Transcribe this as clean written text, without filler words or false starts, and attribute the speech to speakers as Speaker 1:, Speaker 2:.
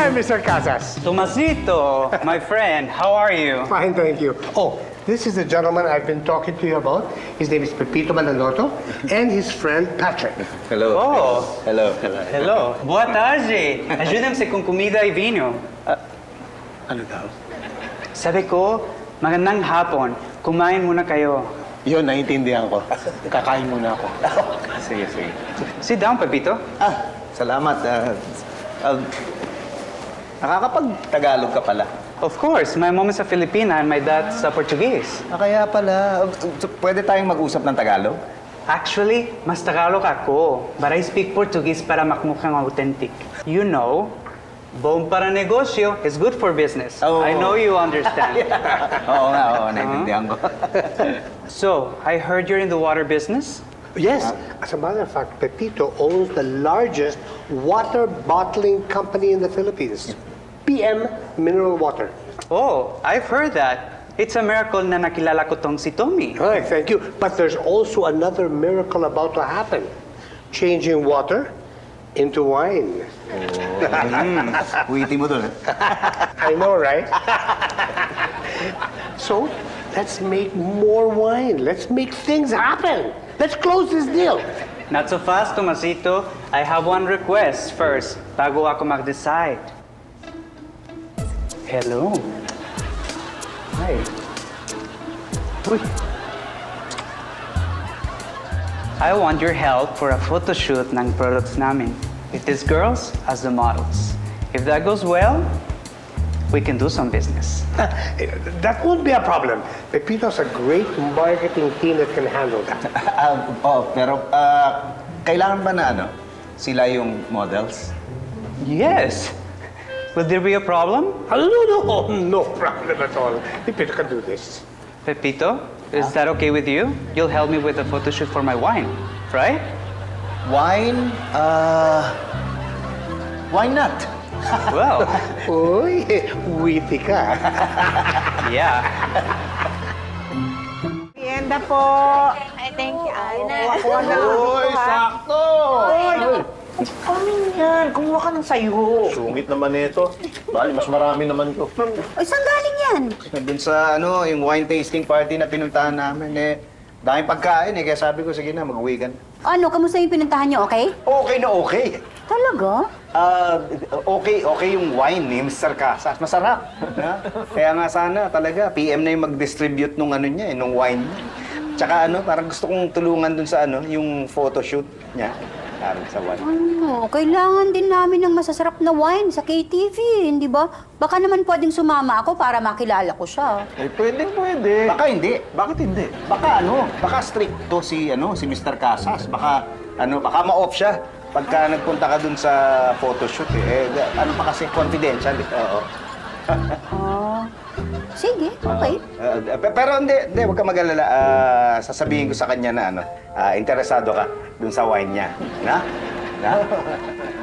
Speaker 1: Hi, Mr. Casas.
Speaker 2: Tomasito, my friend, how are you?
Speaker 1: Fine, thank you. Oh, this is the gentleman I've been talking to you about. His name is Pepito Manaloto, and his friend Patrick.
Speaker 3: Hello.
Speaker 2: Oh.
Speaker 3: Hello.
Speaker 2: Hello. Boa tarde. Ajuda-me com comida e vinho.
Speaker 1: Ano daw?
Speaker 2: Sabi ko, magandang hapon. Kumain muna kayo.
Speaker 3: Yun, naiintindihan ko. Kakain muna ako. Sige.
Speaker 2: Sit down, Pepito.
Speaker 3: Salamat. Nakakapag-Tagalog ka pala.
Speaker 2: Of course, my mom is a Filipina and my dad's a Portuguese.
Speaker 3: Kaya pala. Pwede tayong mag-usap ng Tagalog?
Speaker 2: Actually, mas Tagalog ako, but I speak Portuguese para makmukhang authentic. You know, bom para negosyo is good for business.
Speaker 3: Oh.
Speaker 2: I know you understand.
Speaker 3: Oo, naiintindihan ko.
Speaker 2: So, I heard you're in the water business?
Speaker 1: Yes, as a matter of fact, Pepito owns the largest water bottling company in the Philippines. PM Mineral Water.
Speaker 2: Oh, I've heard that. It's a miracle na nakilala ko tong si Tommy.
Speaker 1: All right, thank you. But there's also another miracle about to happen. Changing water into wine.
Speaker 3: Witty mo dun,
Speaker 1: I know, right? So, let's make more wine. Let's make things happen. Let's close this deal.
Speaker 2: Not so fast, Tomasito. I have one request first, bago ako mag-decide. Hello. Hi. Uy. I want your help for a photo shoot ng products namin, with these girls as the models. If that goes well, we can do some business.
Speaker 1: That won't be a problem. Pepito's a great marketing team that can handle that.
Speaker 3: Pero kailangan ba na sila yung models?
Speaker 2: Yes. Will there be a problem?
Speaker 1: No problem at all. Pepito can do this.
Speaker 2: Pepito, is that okay with you? You'll help me with the photo shoot for my wine, right?
Speaker 3: Wine? Why not?
Speaker 2: Well,
Speaker 1: Uy, witty ka.
Speaker 2: yeah.
Speaker 4: Merienda po.
Speaker 5: Ay, thank you.
Speaker 4: Kuha na lang dito, ha?
Speaker 3: Sakto!
Speaker 4: Ano yan? Kumuha ka ng sayo.
Speaker 6: Sungit naman nito. Bali, mas marami naman to.
Speaker 5: Ay, saan galing yan?
Speaker 3: Doon sa yung wine tasting party na pinuntahan namin, daming pagkain kaya sabi ko, sige na, mag-uwi ka na.
Speaker 5: Ano, kamusta yung pinuntahan niyo, okay?
Speaker 3: Okay na okay.
Speaker 5: Talaga?
Speaker 3: Okay yung wine ni Mr. Casas. Masarap. Kaya nga sana talaga, PM na yung mag-distribute nung nung wine niya. Tsaka parang gusto kong tulungan dun sa yung photoshoot niya. Parang sa wine.
Speaker 5: Ano, kailangan din namin ng masasarap na wine sa KTV, hindi ba? Baka naman pwedeng sumama ako para makilala ko siya.
Speaker 6: Pwede.
Speaker 3: Baka hindi.
Speaker 6: Bakit hindi?
Speaker 3: Baka stricto si Mr. Casas. Baka ma-off siya pagka nagpunta ka dun sa photoshoot pa kasi confidential Oo.
Speaker 5: Sige, okay.
Speaker 3: Pero hindi, huwag ka mag-alala. Sasabihin ko sa kanya na interesado ka dun sa wine niya. Na?